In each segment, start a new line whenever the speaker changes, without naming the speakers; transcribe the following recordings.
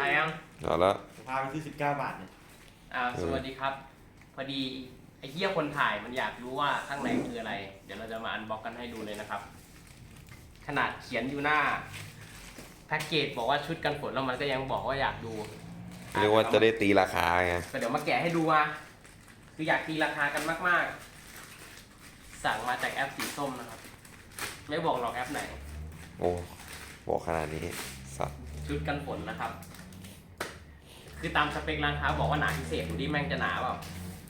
ถ่ายยัง
เอาแล้ว
พาไปซื้อ19 บาทเนี่ย
สวัสดีครับพอดีไอ้เหี้ยคนถ่ายมันอยากรู้ว่าข้างในคืออะไรเดี๋ยวเราจะมาอันบ็อกกันให้ดูเลยนะครับขนาดเขียนอยู่หน้าแพ็กเกจบอกว่าชุดกันฝนแล้วมันก็ยังบอกว่าอยากดู
เรียกว่าจะได้ตีราคาไง
ก็เดี๋ยวมาแกะให้ดูมาคืออยากตีราคากันมากๆสั่งมาจากแอปสีส้มนะครับไม่บอกหรอกแอปไหน
โอ้บอกขนาดนี้สัตว์
ชุดกันฝนนะครับคือตามสเปคร้านค้าบอกว่าหนาพิเศษดูดิแม่งจะหนาเปล่า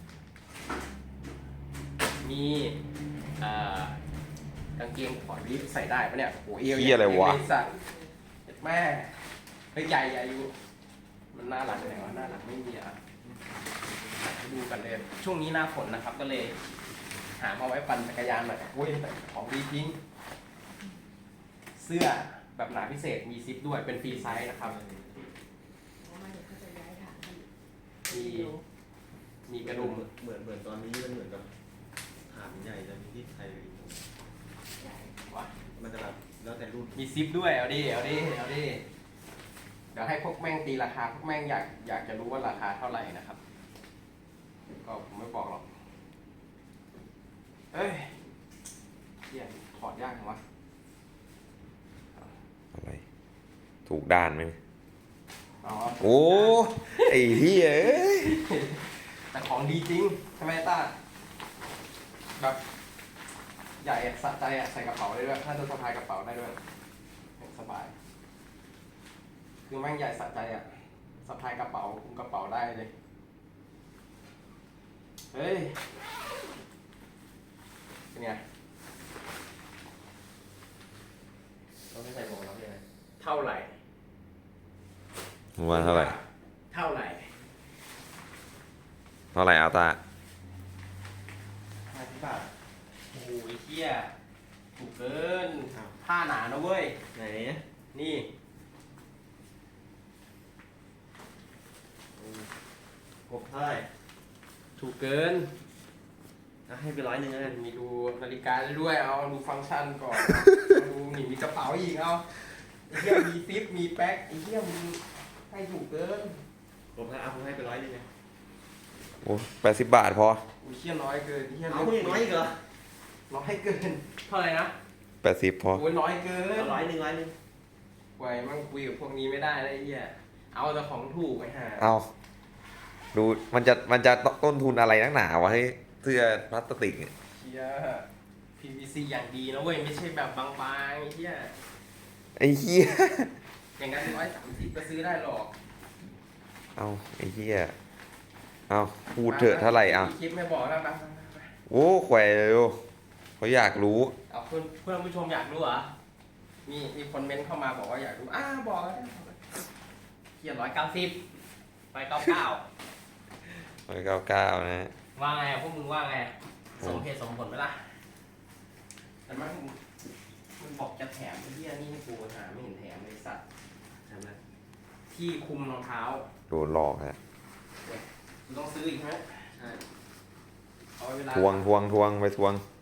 มีกางเกงขอดิใส่ได้ปะเนี่ยโอ้เอว
อะไรวะ
แม่ใหญ่อยู่มันหน้าหลังไหนวะหน้าหลังไม่มีดูกันเลยช่วงนี้หน้าฝนนะครับก็เลยหามาไว้ปั่นจักรยานหน่อยโอ้ยของดีจริงเสื้อแบบหนาพิเศษมีซิปด้วยเป็นฟรีไซส์นะครับมีกระดุม
เหมือนตอนนี้มันเหมือนกับฐานใหญ่จะมีที่ไทยมันจะแบบแล้วแต่รุ่น
มีซิปด้วยเอาดิเดี๋ยวให้พวกแม่งตีราคาพวกแม่งอยากจะรู้ว่าราคาเท่าไหร่นะครับก็ผมไม่บอกหรอกเอ้ยเหี้ยถอดยากจังวะ
อะไรถูกด้านไหม
อ๋อ
โอ้ไอ้เหี้ย
แต่ของดีจริงทำไมต้าแบบใหญ่สะใจใส่กระเป๋าได้ด้วยถ้าจะสะพายกระเป๋าได้ด้วยสบายคือแม่งใหญ่สะใจสะพายกระเป๋าคุมกระเป๋าได้เลยเฮ้ยเป็นไง
เราไม่ใส่หมวกเราใช่ไหม
เท่าไหร่
ว่าเท่าไหร่เอาตา
50 บาทโอ้ยเหี้ยถูกเกินผ้าหนานะเว้ย
ไหน
นี่
กบเท่าไหร่
ถูกเกิน
ให้ไป100เลย
มีดูนาฬิกาด้วยเอาดูฟังก์ชันก่อนดูนี่มีกระเป๋าอีกเอาไอ้เหี้ยมีซิปมีแป๊กไอ้เหี้ยมึงให้ถูกเกิน
ผมให้ไป100เลย
โอ้80 บาทพอ
อุ้ยเหี้ยน้อยเกินเหี้ย
เอาน้อยอีกเหรอ
น้อยเกินเท่าไหร่นะ
80พอ
โอ้ยน้อยเกิน
100
ไว้มั่งคุยกับพวกนี้ไม่ได้เลยไอ้เหี้ยเอาแต่ของถูกไอ้ห่า
เอาดูมันจะต้นทุนอะไรนักหนาวะให้เสื้อพลาสติกเนี่ย
เหี้ย PVC อย่างดีนะเว้ยไม่ใช่แบบบางๆไอ้เหี้ยอย่างนั้น130ก็ซื้อได้หรอก
เอาไอ้เหี้ยเอาพูดเถอะเท่าไหร่เอา
คลิปไม่บอกแล้วนะ
โอ้แขวเลยเขาอยากรู้
เอาเพื่อนผู้ชมอยากรู้เหรอมีคนเมนต์เข้ามาบอกว่าอยากรู้บอกเขียน190ไป
199นะ
ว่าไงพวกมึงว่าไงสมเหตุสมผลไหมล่ะแต่มันบอกจะแถมไอ้เหี้ยนี่ให้กูหาไม่เห็นแถมเลยสัตว์
ใช่ไหม
ที่คุมรองเท้า
โดนหลอกฮะ
ต้องซื้ออีกไหม
ใช่
เอาเวลา
ทวงไปทวง